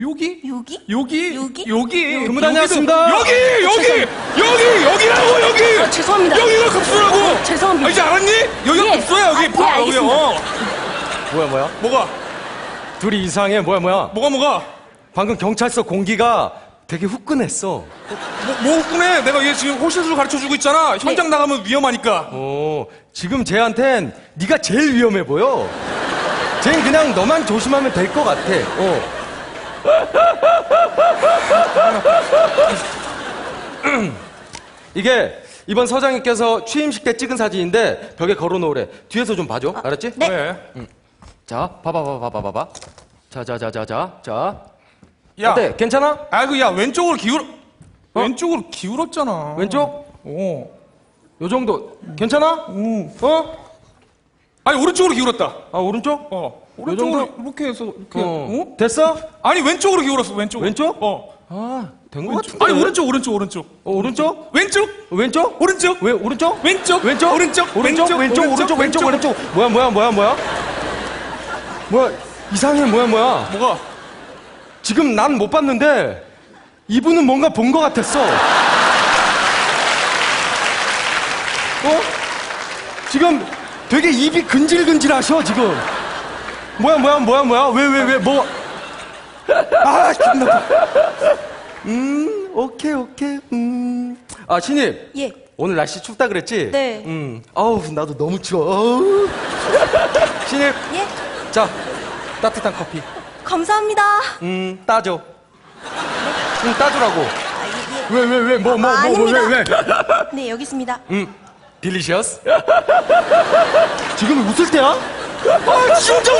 여기? 여기? 여기? 여기? 여기? 근무 다녀왔습니다. 여기라고, 여기! 아, 죄송합니다. 여기가 급수라고! 죄송합니다. 아, 이제 알았니? 여기가 예. 급수야, 여기. 아, 예, 봐, 여기. 알겠습니다. 뭐야? 뭐가? 둘이 이상해. 뭐야? 뭐가? 방금 경찰서 공기가 되게 후끈했어. 뭐 웃구네. 내가 얘 지금 호실술 가르쳐주고 있잖아. 현장 나가면 위험하니까. 지금 쟤한텐 네가 제일 위험해 보여. 쟤는 그냥 너만 조심하면 될 것 같아. 이게 이번 서장님께서 취임식 때 찍은 사진인데 벽에 걸어놓으래. 뒤에서 좀 봐줘. 알았지? 네. 네. 자, 봐봐. 자. 야. 어때? 괜찮아? 아이고, 야, 왼쪽으로 왼쪽으로 기울었잖아. 왼쪽? 요 정도. 괜찮아? 아니, 오른쪽으로 기울었다. 아, 오른쪽? 오른쪽으로 정도? 이렇게 해서, 이렇게. 됐어? 아니, 왼쪽으로 기울었어, 왼쪽. 왼쪽? 된 것 같은데. 아니, 오른쪽. 오른쪽? 왼쪽? 왼쪽? 오른쪽? 왜, 오른쪽? 왼쪽? 왼쪽? 오른쪽? 뭐야? 뭐야, 이상해, 뭐야. 뭐가? 지금 난 못 봤는데, 이분은 뭔가 본 것 같았어. 지금 되게 입이 근질근질 하셔, 지금. 뭐야, 왜, 뭐. 아, 기분 나빠. 오케이. 아, 신입. 예. 오늘 날씨 춥다 그랬지? 네. 아우, 나도 너무 추워. 아우. 신입. 예. 자, 따뜻한 커피. 감사합니다. 따줘. 따주라고. 아, 예. 왜, 아닙니다. 왜? 네, 여기 있습니다. 딜리셔스? 지금 웃을 때야? 아, 진짜